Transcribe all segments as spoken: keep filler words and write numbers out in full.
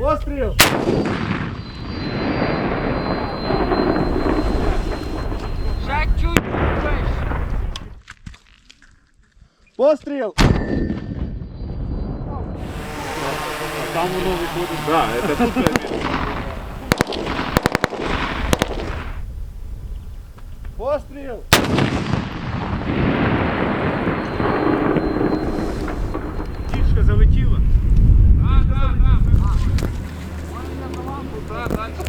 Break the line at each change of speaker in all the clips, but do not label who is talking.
Постріл!
Ще чуть вище.
Постріл!
Там воно виходить.
Да, это тут.
Постріл!
Птичка залетіла.
А, да, да. Да, дальше.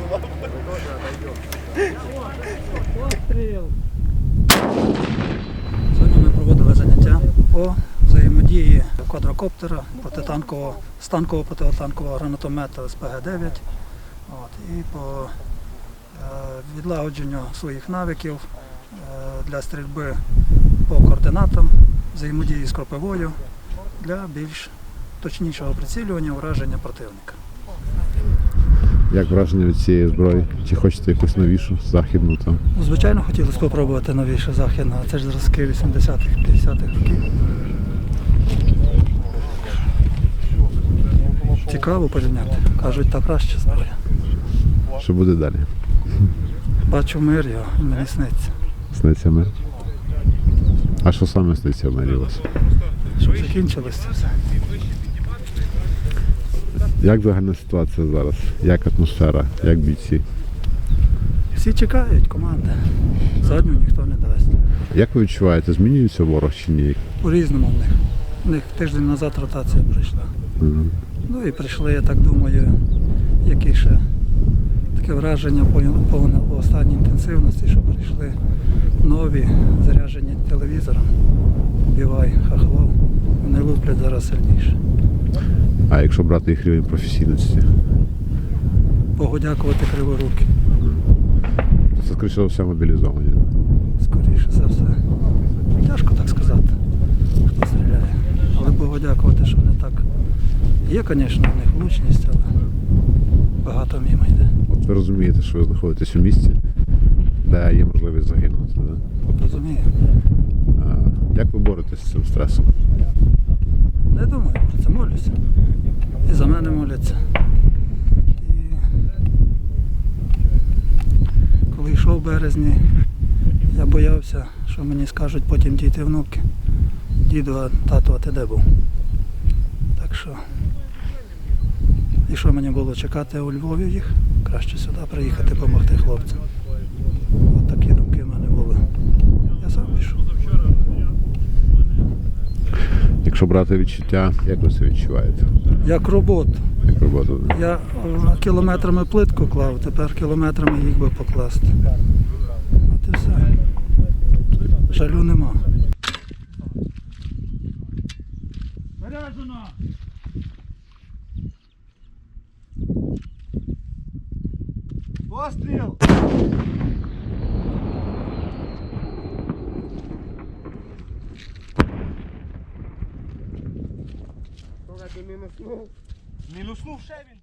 Постріл!
Сьогодні ми проводили заняття по взаємодії квадрокоптера, протитанкового, станкового протитанкового гранатомета ес пе ге дев'ять от, і по е, відлагодженню своїх навиків е, для стрільби по координатам, взаємодії з кропивою для більш точнішого прицілювання ураження противника.
Як враження від цієї зброї? Чи хочете якусь новішу, західну там?
Ну, звичайно, хотілося спробувати новіше західне, а це ж зразки вісімдесятих п'ятдесятих років. Цікаво порівняти. Кажуть, та краща зброя.
Що буде далі?
Бачу мир його, і мені сниться.
Сниться мир? А що саме сниться в мирі у вас?
Щоб закінчилось це все.
Як загальна ситуація зараз? Як атмосфера? Як бійці?
Всі чекають команди. Задню ніхто не дасть.
Як ви відчуваєте, змінюється ворог чи ні?
По-різному в них. У них тиждень назад ротація прийшла.
Угу.
Ну і прийшли, я так думаю, які ще таке враження по, по, по останній інтенсивності, що прийшли нові, заряджені телевізором. Убивай, хахлов. Вони луплять зараз сильніше.
А якщо брати їх рівень професійності?
Богу дякувати криворуки.
То це, скоріше за все, мобілізовані.
Скоріше за все. Тяжко так сказати, хто стріляє. Але Богу дякувати, що не так. Є, звісно, в них влучність, але багато мимо йде.
От ви розумієте, що ви знаходитесь у місті, де є можливість загинути, да?
Розумію.
А як ви боретесь з цим стресом?
Не думаю про це, молюся. І за мене моляться. І коли йшов в березні, я боявся, що мені скажуть потім діти внуки. Діду, а тато, а ти де був? Так що, і що мені було чекати у Львові їх? Краще сюди приїхати, допомогти хлопцям. От такі думки в мене були. Я сам пішов.
Якщо брати відчуття, як ви це відчуваєте?
Як роботу.
Як роботу?
Я е, кілометрами плитку клав, тепер кілометрами їх би покласти. От і все. Жалю нема.
Заряджено! Постріл! Мінуснув ще він.